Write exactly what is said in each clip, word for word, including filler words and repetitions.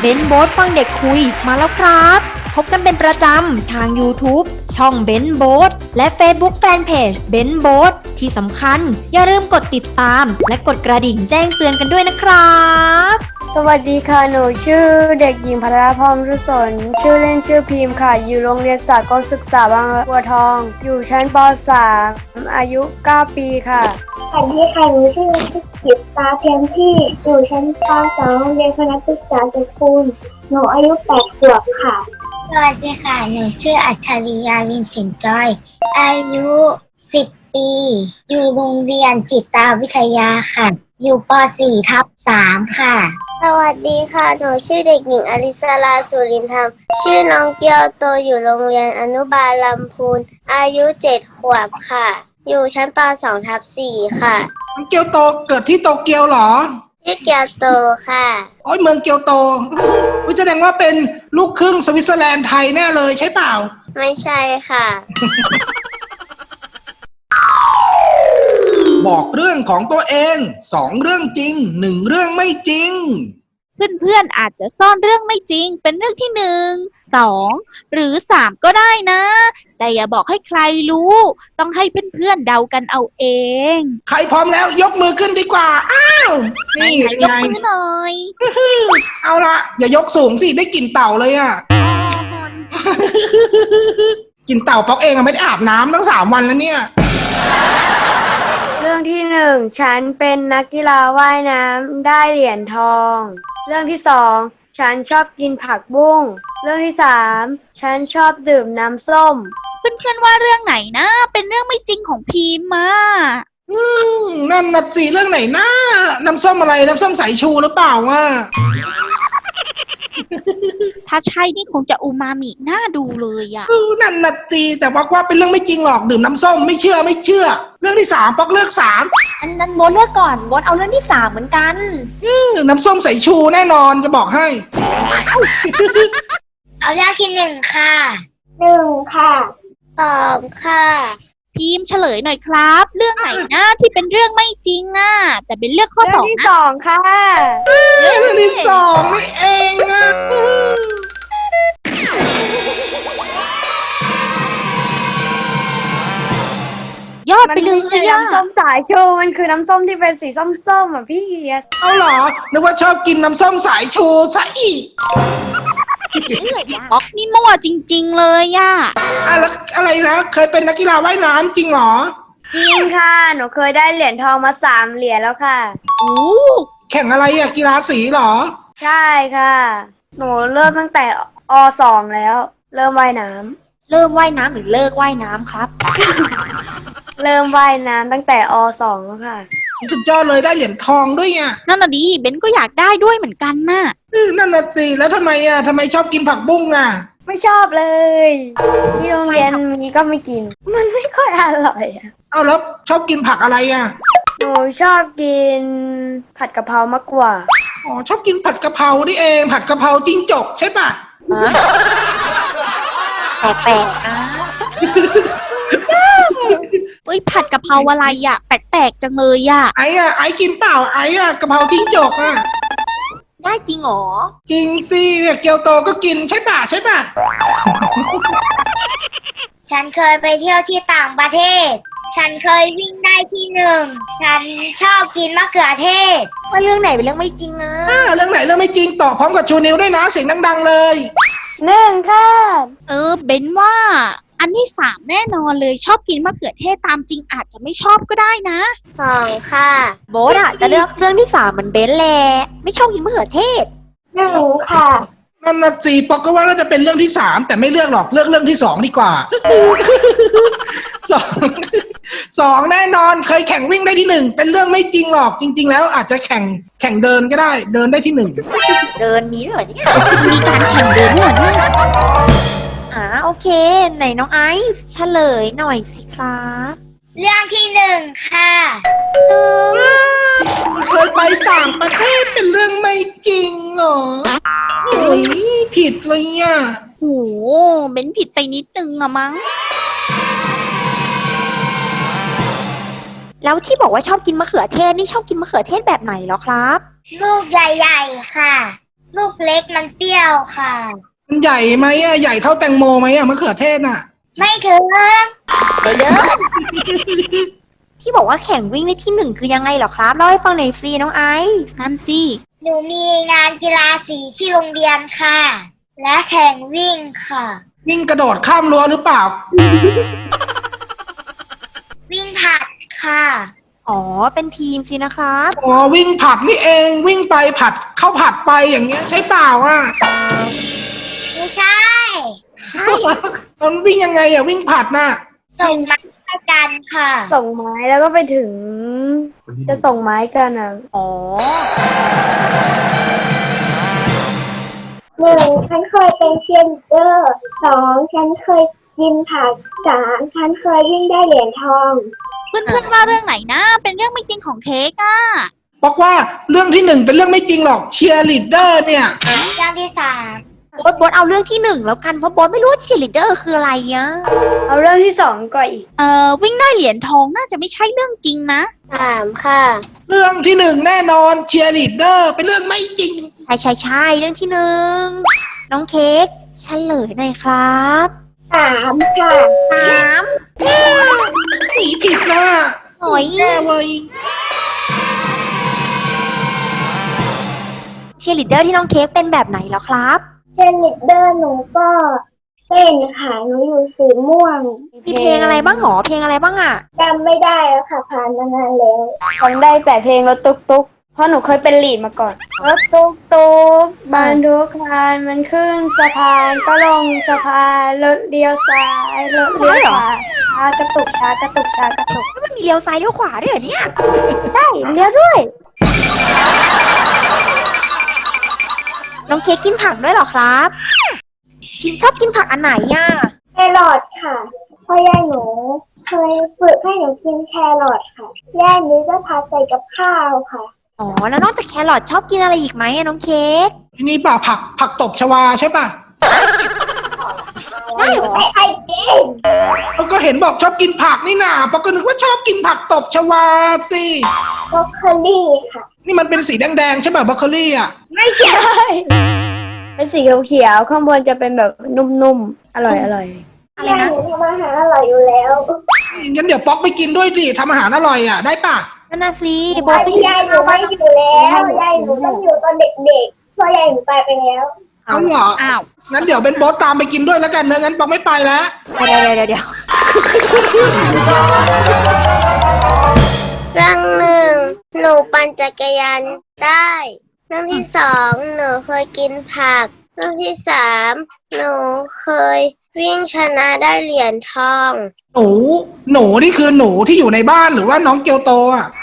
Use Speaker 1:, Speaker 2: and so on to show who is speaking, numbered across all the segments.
Speaker 1: เบนโบ๊ทฟังเด็กคุยมาแล้วครับ พบกันเป็นประจำทาง YouTube ช่องเบนโบ๊ทและ Facebook Fanpage เบนโบ๊ทที่สำคัญอย่าลืมกดติดตามและกดกระดิ่งแจ้งเตือนกันด้วยนะครับ
Speaker 2: สวัสดีค่ะหนูชื่อเด็กหญิงพัทรพรรุศนชื่อเล่นชื่อพิมพ์ค่ะอยู่โรงเรียนสากลศึกษาบางบัวทองอยู่ชั้นป .สาม อายุเก้าปีค่ะ
Speaker 3: สวัสดีค่ะหนูชื่อสุกิตตาเพียงที่อยู่ชั้นป .สอง โรงเรียนคณะศึกษาเอกคุณหนูอายุแปดขวบค่ะ
Speaker 4: สวัสดีค่ะหนูชื่ออัจฉริยาลินสินจอยอายุสิบปีอยู่โรงเรียนจิตวิทยาค่ะอยู่ป .สี่ ทับ สาม ค่ะ
Speaker 3: สวัสดีค่ะหนูชื่อเด็กหญิงอลิสราสุรินธรรมชื่อน้องเกียวโตอยู่โรงเรียนอนุบาลลำพูนอายุเจ็ดขวบค่ะอยู่ชั้นป .สอง ทับ สี่ ค่ะ
Speaker 5: น้องเกียวโตเกิดที่โตเกียวเหรอ
Speaker 3: ชื่อเกียวโตค่ะ
Speaker 5: โอ้ยเมืองเกียวโตวิแสดงว่าเป็นลูกครึ่งสวิตเซอร์แลนด์ไทยแน่เลยใช่เปล่า
Speaker 3: ไม่ใช่ค่ะ
Speaker 5: บอกเรื่องของตัวเองสองเรื่องจริงหนึ่งเรื่องไม่จริง
Speaker 1: เพื่อนๆอาจจะซ่อนเรื่องไม่จริงเป็นเรื่องที่หนึ่ง สองหรือสามก็ได้นะแต่อย่าบอกให้ใครรู้ต้องให้เพื่อนๆเดากันเอาเอง
Speaker 5: ใครพร้อมแล้วยกมือขึ้นดีกว่าอ้าวนี่
Speaker 1: ยกมือหน่อย
Speaker 5: เอาละอย่ายกสูงสิได้กลิ่นเต่าเลยอ่ะกลิ่นเต่าป๊อกเองอะไม่ได้อาบน้ำตั้งสามวันแล้วเนี่ย
Speaker 2: เรื่องที่หนึ่งฉันเป็นนักกีฬาว่ายน้ำได้เหรียญทองเรื่องที่สองฉันชอบกินผักบุ้งเรื่องที่สามฉันชอบดื่มน้ำส้ม
Speaker 1: เพื่อนๆว่าเรื่องไหนนะเป็นเรื่องไม่จริงของพีมมา
Speaker 5: อืมนั่นน่ะสิเรื่องไหนนะน้ำส้มอะไรน้ำส้มสายชูหรือเปล่าวะ
Speaker 1: ถ้าใช่นี่คงจะอูมามิน่าดูเลยอ่ะ
Speaker 5: นั่นน่ะสิแต่บอกว่าเป็นเรื่องไม่จริงหรอกดื่มน้ำส้มไม่เชื่อไม่เชื่อเรื่องที่สามป๊อกเลือกสาม
Speaker 1: อันนั้นโบทเลือกก่อนโบทเอาเรื่องที่สามเหมือนกัน
Speaker 5: น้ำส้มสายชูแน่นอนจะบอกให้
Speaker 4: เอาเรื่องที่หนึ่งค่ะ
Speaker 3: หนึ่งค่ะ
Speaker 4: สองค่ะ
Speaker 1: พีมเฉลยหน่อยครับเรื่องไหนนะที่เป็นเรื่องไม่จริงอ่ะแต่เป็นเรื่องข้อสองนะ
Speaker 2: เรื่องที่สองค่ะ
Speaker 5: เรื่องที่สองนี่เองอ่ะ
Speaker 1: ยอดไปเลย
Speaker 2: น้ำส้มสายชูมันคือน้ำส้มที่เป็นสีส้มๆอ่ะพี่เฮียส
Speaker 5: เอาเหรอนึกว่าชอบกินน้ำส้มสายชูซะอีก
Speaker 1: ป๊อกนี่มั่วจริงๆเลยอ่ะ
Speaker 5: อะแล้วอะไรนะเคยเป็นนักกีฬาว่ายน้ำจริงเหรอ
Speaker 2: จริงค่ะหนูเคยได้เหรียญทองมาสามเหรียญแล้วค่ะ
Speaker 1: โอ้
Speaker 5: แข่งอะไรอ่ะกีฬาสีเหรอ
Speaker 2: ใช่ค่ะหนูเริ่มตั้งแต่อ สองแล้วเริ่มว่ายน้
Speaker 1: ำเริ่มว่ายน้ำหรือเลิกว่ายน้ำครับ
Speaker 2: เริ่มว่ายน้ำตั้งแต่อ สองแล้วค่ะ
Speaker 5: สุดยอดเลยได้เหรียญทองด้วยอ่ะ
Speaker 1: นั่นน่ะดีเบนก็อยากได้ด้วยเหมือนกันน่ะ
Speaker 5: นั่นน่ะสิแล้วทำไมอ่ะทำไมชอบกินผักบุ้งอ่ะ
Speaker 2: ไม่ชอบเลยที่โรงเรียนมีก็ไม่กินมันไม่ค่อยอร่อยอ่ะ
Speaker 5: เอาแล้วชอบกินผักอะไรอ่ะ
Speaker 2: หนูชอบกินผัดกะเพรามากกว่า
Speaker 5: อ๋อชอบกินผัดกะเพรานี่เองผัดกะเพราจิ้งจกใช่ป่ะ
Speaker 1: แปลกๆนะเฮ้ยผัดกะเพราอะไรอ่ะแปลกๆจังเลยอ่ะ
Speaker 5: ไอ้อ่ะไอ้กินเปล่าไอ้อ่ะกะเพราจิ้งจกอ่ะ
Speaker 1: ได้จริงหรอ
Speaker 5: จริงสิเนี่ยเกียวโตก็กินใช่ป่ะใช่ป่ะ
Speaker 4: ฉันเคยไปเที่ยวที่ต่างประเทศฉันเคยวิ่งได้ที่หนึ่งฉันชอบกินมะเขือเทศ
Speaker 1: ว่าเรื่องไหนเป็นเรื่องไม่จริงอ่ะ
Speaker 5: เรื่องไหนเรื่องไม่จริงตอบพร้อมกับชูนิ้วด้วยนะเสียงดังๆเลย
Speaker 2: หนึ่งค่ะ
Speaker 1: เออเบนว่าอันที่สามแน่นอนเลยชอบกินมะเขือเทศตามจริงอาจจะไม่ชอบก็ได้นะ
Speaker 4: สองค่ะ
Speaker 1: โบทอะจะเลือกเรื่องที่สามเหมือนเบนแหละไม่ชอบกินมะเขือเทศ
Speaker 3: หนึ่งค่ะ
Speaker 5: นั่นน่ะสิปอกก็ว่าน่าจะเป็นเรื่องที่สามแต่ไม่เลือกหรอกเลือกเรื่องที่สองดีกว่าสองสองแน่นอนเคยแข่งวิ่งได้ที่หนึ่งเป็นเรื่องไม่จริงหรอกจริงๆแล้วอาจจะแข่งแข่งเดินก็ได้เดินได้ที่หนึ่ง
Speaker 1: เดินมีด้วยเหรอเนี่ยมีการแข่งเดินด้วยเนี่ยอ่าโอเคไหนน้องไอซ์เฉลยหน่อยสิครับ
Speaker 4: เรื่องที่หนึ่งค่ะ
Speaker 5: เคยไปต่างประเทศเป็นเรื่องไม่จริงเหรอโอ้ยผิดเลยอ่ะ
Speaker 1: โหเบนผิดไปนิดนึงอะมั้งแล้วที่บอกว่าชอบกินมะเขือเทศนี่ชอบกินมะเขือเทศแบบไหนเหรอครับ
Speaker 4: ลูกใหญ่ๆค่ะลูกเล็กมันเปรี้ยวค่ะ
Speaker 5: มันใหญ่ไหมอะใหญ่เท่าแตงโมไหมอะมะเขือเทศน่ะ
Speaker 4: ไม่ถึง
Speaker 1: ที่บอกว่าแข่งวิ่งได้ที่หนึ่งคือยังไงเหรอครับเล่าให้ฟังหน่อยสิน้องไอซ์นั่นสิ
Speaker 4: หนูมีงานกีฬาสีที่โรงเรียนค่ะ และแข่งวิ่งค่ะ
Speaker 5: วิ่งกระโดดข้ามรั้วหรือเปล่า
Speaker 4: วิ่งผลัดค่ะ
Speaker 1: อ๋อเป็นทีมสินะครับ
Speaker 5: อ๋อวิ่งผัดนี่เองวิ่งไปผัดเข้าผัดไปอย่างเงี้ยใช่เปล่าอ่ะ
Speaker 4: ไม่ใช่
Speaker 5: มันวิ่งยังไงอ่ะวิ่งผัดน่ะ
Speaker 4: ส่งมาให้กันค่ะ
Speaker 2: ส่งไม้แล้วก็ไปถึง จะส่งไม้กันอ่ะ
Speaker 1: อ๋อ
Speaker 6: หนึ่งฉันเคยเป็นเชียร์ลีดเดอร์สองฉันเคยยิมผักสามฉันเคยวิ่งได้เหรียญทอง
Speaker 7: เพื่อนๆว่าเรื่องไหนนะ เป็นเรื่องไม่จริงของเค้กอะ
Speaker 5: บอกว่าเรื่องที่หนึ่งเป็นเรื่องไม่จริงหรอกเชียร์ลีดเดอร์เนี่ย
Speaker 4: เรื่องที่สาม
Speaker 1: โบ๊ทโบ๊ทเอาเรื่องที่หนึ่งแล้วกันเพราะโบ๊ทไม่รู้ว่าเชียร์ลีดเดอร์คืออะไรอะ
Speaker 2: เอาเรื่องที่สองก่อนอีก
Speaker 7: เอ่อวิ่งได้เหรียญทองน่าจะไม่ใช่เรื่องจริงนะ
Speaker 3: สามค่ะ
Speaker 5: เรื่องที่หนึ่งแน่นอนเชียร์ลีดเดอร์เป็นเรื่องไม่จริง
Speaker 1: ใช่ใช่ใช่เรื่องที่หนึ่งน้องเค้กเฉลยหน่อยครับ
Speaker 6: สามค่ะ
Speaker 1: สาม
Speaker 5: สีผิดนะ
Speaker 1: หน่อย
Speaker 5: แย่เว้ย
Speaker 1: เชียร์ลีดเดอร์ที่น้องเค้กเป็นแบบไหนเหรอครับ
Speaker 6: เชียร์ลีดเดอร์หนูก็เต้นค่ะหนูอยู่สีม่วง
Speaker 1: มีเพลงอะไรบ้างหรอเพลงอะไรบ้างอะ
Speaker 6: จำไม่ได้แล้วค่ะผ่านมานานแล้ว
Speaker 2: ฟังได้แต่เพลงรถตุ๊กตุ๊กเพราะหนูเคยเป็นลีดมาก่อน รถตุ๊กตุ๊กบรรทุกคันมันขึ้นสะพานก็ลงสะพานรถเลี้ยวซ้ายรถเลี้ยวขวาช้ากระตุกช้ากระตุกช้ากระตุก
Speaker 1: มันมีเลี้ยวซ้ายเลี้ยวขวาด้วยเหรอเนี่ย
Speaker 2: ได้เลี้ยวด้วย
Speaker 1: น้องเค้กกินผักด้วยเหรอครับ กินชอบกินผักอันไหนอะ
Speaker 6: แครอทค่ะพ่อยายหนูเคยฝึกให้หนูกินแครอทค่ะย่านี้จะพาใส่กับข้าวค่ะ
Speaker 1: อ๋อแล้วนอกจากแครอทชอบกินอะไรอีกไหมอะน้องเค้ก
Speaker 5: นี่ป่ะผักผักตบชวาใช่ป่ะ
Speaker 1: ได้เหรอ
Speaker 6: ไม่ไอกิน
Speaker 5: เราก็เห็นบอกชอบกินผักนี่นาปอกก็นึกว่าชอบกินผักตบชวาสิ
Speaker 6: บรอกโคลี่ค่ะ
Speaker 5: นี่มันเป็นสีแดงๆใช่ป่ะบรอกโคลี่อ่ะ
Speaker 2: ไม่ใช่ เป็นสีเขียวๆข้างบนจะเป็นแบบนุ่มๆ อร่อยอร่อย
Speaker 1: อะไร
Speaker 6: ย่า
Speaker 1: นะ
Speaker 6: หนูทำอาหารอร่อยอยู่แล้ว
Speaker 5: งั้นเดี๋ยวป๊อกไปกินด้วยสิทำอาหารอร่อยอ่ะได้ป่ะ
Speaker 1: นั่นน่ะสิโบ
Speaker 6: ตอ
Speaker 1: ท
Speaker 6: น
Speaker 1: ไป
Speaker 6: ที่
Speaker 1: กิน
Speaker 6: ยายหนู
Speaker 1: ข้าว
Speaker 6: ไม่
Speaker 1: บ้าน
Speaker 6: อยู่แล้วยายหนูต้องอยู่ตอนเด็กๆเพราะยายหนูตายไปแล้ว
Speaker 5: เอาเหรอ
Speaker 7: อ้าว
Speaker 5: งั้นเดี๋ยวเป็นโบ๊ทตามไปกินด้วยแล้วกันเนอะงั้นป๊อกไม่ไปแล้ว
Speaker 1: เดี๋ยวเดี๋ยวเดี๋ยว
Speaker 3: เรื่องหนึ่งหนูปั่นจักรยานได้ เรื่องที่สองหนูเคยกินผัก เรื่องที่สามหนูเคยวิ่งชนะได้เหรียญทอง
Speaker 5: หนูหนูนี่คือหนูที่อยู่ในบ้านหรือว่าน้องเกียวโตอ่ะ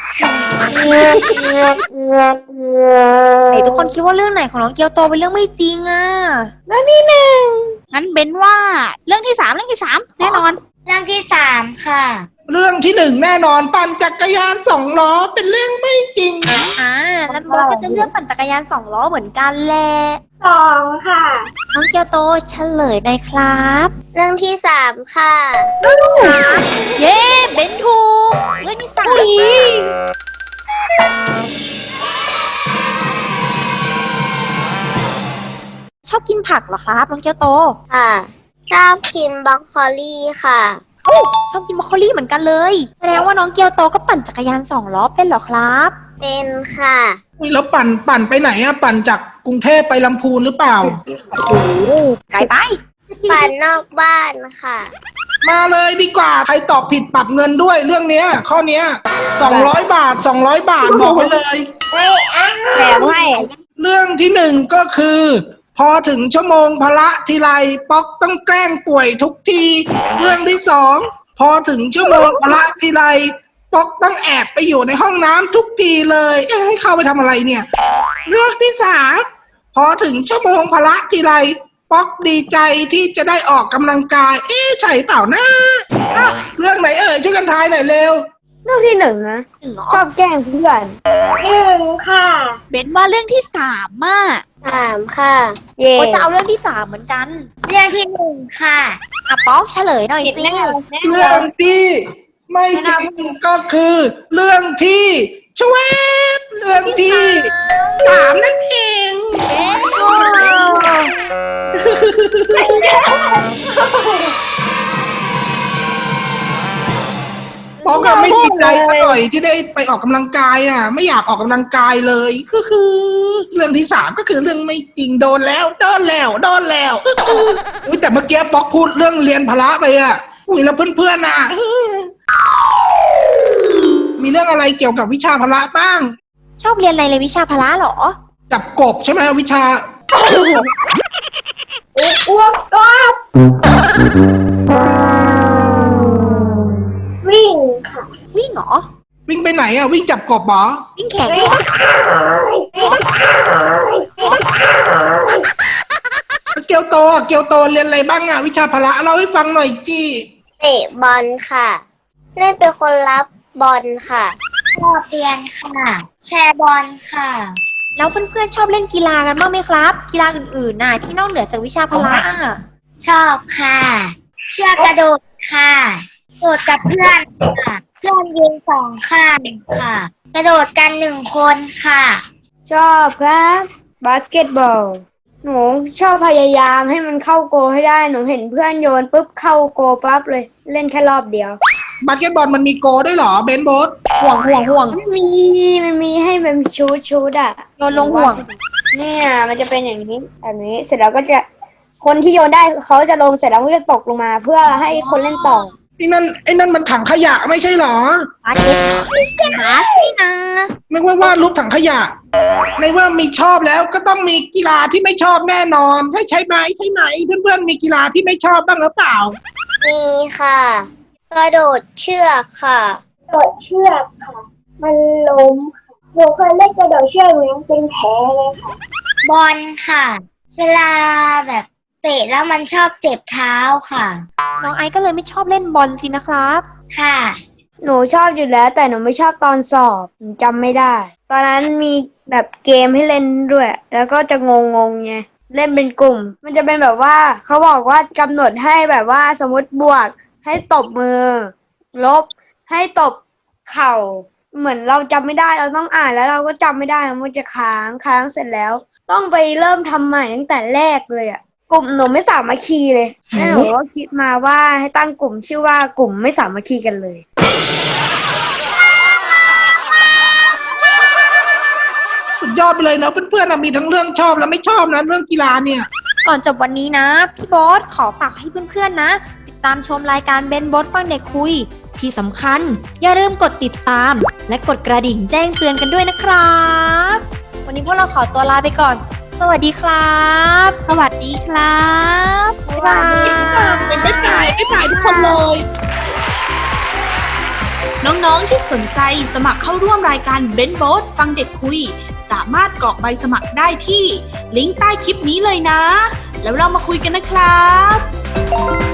Speaker 1: ไหนทุกคนคิดว่าเรื่องไหนของน้องเกียวโตเป็นเรื่องไม่จริงอะ
Speaker 7: งั้นเบนว่าเรื่องที่สามเรื่องที่สามแน่นอน
Speaker 4: เรื่องที่สามค่ะ
Speaker 5: เรื่องที่หนึ่งแน่นอนปั่นจักรยานสองล้อเป็นเรื่องไม่จริง
Speaker 1: อ่าแล้วโบทก็จะเลือกปั่นจักรยานสองล้อเหมือนกันแหละ
Speaker 6: สองค่ะ
Speaker 1: น้องเกียวโตเฉลยหน่อยครับ
Speaker 3: เรื่องที่สามค่ะ
Speaker 7: เย้เบนถูกเรื่องที่สาม
Speaker 1: ชอบกินผักเหรอครับน้องเกียวโต
Speaker 3: ค่ะชอบกินบรอกโคลี่ค่ะ
Speaker 1: ชอบกินบรอกโคลี่เหมือนกันเลยแสดงว่าน้องเกียวโตก็ปั่นจักรยานสองล้อเป็นเหรอครับ
Speaker 3: เป็นค่ะ
Speaker 5: แล้วปั่นปั่นไปไหนอ่ะปั่นจากกรุงเทพไปลำพูนหรือเปล่า
Speaker 1: ไกลไป
Speaker 3: ปั่นนอกบ้านค่ะ
Speaker 5: มาเลยดีกว่าใครตอบผิดปรับเงินด้วยเรื่องเนี้ย ข้อเนี้ยสองร้อยบาทสองร้อยบาทบอกไว้เลย
Speaker 6: ไม่อ้า
Speaker 2: แถมให้
Speaker 5: เรื่องที่หนึ่งก็คือ พอถึงชั่วโมงพละทีไรป๊อกต้องแกล้งป่วยทุกที เรื่องที่สองพอถึงชั่วโมงพละทีไรป๊อกต้องแอบไปอยู่ในห้องน้ำทุกทีเลยเอ๊ะให้เข้าไปทำอะไรเนี่ย เรื่องที่สามพอถึงชั่วโมงพละทีไรป๊อกดีใจที่จะได้ออกกำลังกาย เอ๊ะใช่เปล่านะอ่ะเรื่องไหนเอ่ยช่วยกันทายหน่อยเร็ว
Speaker 2: เรื่องที่หนึ่งนะ
Speaker 1: หนึ่งเหรอ
Speaker 2: ชอบแกล้งเพื่อน
Speaker 6: หนึ่งค่ะ
Speaker 7: เบนว่าเรื่องที่สามอะ
Speaker 3: สามค่ะ
Speaker 2: เย่
Speaker 1: โบทจะเอาเรื่องที่สามเหมือนกัน
Speaker 4: เรื่องที่หนึ่งค่ะ
Speaker 1: อ่ะป๊อกเฉลยหน่อยสิ
Speaker 5: เรื่องที่ไม่จริงก็คือ เรื่องที่ชวบเรื่องที่สามนั่นเอง ป๊อกอะไม่ดีใจสักหน่อยที่ได้ไปออกกำลังกายอ่ะ ไม่อยากออกกำลังกายเลยคือคือ เรื่องที่สามก็คือเรื่องไม่จริงโดนแล้วโดนแล้วโดนแล้วอุ๊ยแต่เมื่อกี้ป๊อกพูดเรื่องเรียนพละไปอ่ะอุ้ยแล้วเพื่อนๆน่ะมีเรื่องอะไรเกี่ยวกับวิชาพละบ้าง
Speaker 1: ชอบเรียนอะไรเลยวิชาพละเหรอ
Speaker 5: จับกบใช่ไหมวิชา
Speaker 6: อ้วกก็วิ่งค่ะ
Speaker 1: วิ่งเหรอ
Speaker 5: วิ่งไปไหนอ่ะวิ่งจับกบเหรอ
Speaker 1: วิ่งแข่ง
Speaker 5: เกียวโตอ่ะเกียวโตเรียนอะไรบ้างอ่ะวิชาพละเล่าให้ฟังหน่อยจี
Speaker 3: เตะบอลค่ะ เล่นเป็นคนรับบอลค่ะ
Speaker 4: ชอบเรียนค่ะ แชร์บอลค่ะ
Speaker 1: แล้วเพื่อนๆชอบเล่นกีฬากันบ้างไหมครับ กีฬาอื่นๆน่ะที่นอกเหนือจากวิชาพละอ่ะ
Speaker 4: ชอบค่ะ เชือกกระโดดค่ะโดดกับเพื่อนค่ะ เพื่อนยืนสองข้างค่ะ กระโดดกันหนึ่งคนค่ะ
Speaker 2: ชอบครับบาสเกตบอลหนูชอบพยายามให้มันเข้าโกให้ได้หนูเห็นเพื่อนโยนปุ๊บเข้าโกปั๊บเลยเล่นแค่รอบเดียว
Speaker 5: บาสเกตบอลมันมีโกด้วยเหรอเบนโบส
Speaker 1: ห่วงห่วงห่วง
Speaker 2: มันมีมันมีให้เป็นชูดชูดอ่ะ
Speaker 1: โยนลงห่วง
Speaker 2: เนี่ยมันจะเป็นอย่างนี้แบบนี้เสร็จแล้วก็จะคนที่โยนได้เขาจะลงเสร็จแล้วก็จะตกลงมา เพื่อให้คนเล่นต่อ
Speaker 5: ไอ้นั่นไอ้นั่นมันถังขยะไม่ใช่เหรอ
Speaker 1: บาสเกตบอลนี่นะ
Speaker 5: ไม่ว่าวาดรูปถังขยะ ในว่ามีชอบแล้วก็ต้องมีกีฬาที่ไม่ชอบแน่นอนให้ใช่ไหมใช่ไหมเพื่อนๆมีกีฬาที่ไม่ชอบบ้างหรือเปล่า
Speaker 3: มีค่ะ กระโดดเชือกค่ะ
Speaker 6: กระโดดเชือกค่ะ มันล้มค่ะหนูเคยเล่นกระโดดเชือกหนูยังเป็นแผลเลยค่ะ
Speaker 4: บอลค่ะ เวลาแบบเตะแล้วมันชอบเจ็บเท้าค่ะ
Speaker 1: น้องไอซ์ก็เลยไม่ชอบเล่นบอลสินะครับ
Speaker 4: ค่ะ
Speaker 2: หนูชอบอยู่แล้ว แต่หนูไม่ชอบตอนสอบหนูจำไม่ได้ ตอนนั้นมีแบบเกมให้เล่นด้วย แล้วก็จะงงงๆไงเล่นเป็นกลุ่ม มันจะเป็นแบบว่าเขาบอกว่ากำหนดให้แบบว่าสมมติบวกให้ตบมือ ลบให้ตบเข่า เหมือนเราจำไม่ได้เราต้องอ่านแล้วเราก็จำไม่ได้มันจะค้างค้างเสร็จแล้ว ต้องไปเริ่มทำใหม่ตั้งแต่แรกเลยอ่ะกลุ่มหนูไม่สามัคคีเลยแล้วหนูก็คิดมาว่าให้ตั้งกลุ่มชื่อว่ากลุ่มไม่สามัคคีกันเลย
Speaker 5: สุดยอดไปเลยนะเพื่อนๆนะมีทั้งเรื่องชอบและไม่ชอบนะเรื่องกีฬาเนี่ย
Speaker 1: ก่อนจบวันนี้นะ พี่โบ๊ทขอฝากให้เพื่อนๆนะ ติดตามชมรายการเบนโบ๊ทฟังเด็กคุย ที่สำคัญอย่าลืมกดติดตาม และกดกระดิ่งแจ้งเตือนกันด้วยนะครับ วันนี้พวกเราขอตัวลาไปก่อน สวัสดีครับ
Speaker 7: สวัสดีครับ
Speaker 1: บ๊ายบาย
Speaker 5: เป็นไม่ตายไม่ตายทุกคนเลย
Speaker 8: น้องๆที่สนใจสมัครเข้าร่วมรายการเบนโบ๊ทฟังเด็กคุย สามารถกรอกใบสมัครได้ที่ลิงก์ใต้คลิปนี้เลยนะ แล้วเรามาคุยกันนะครับ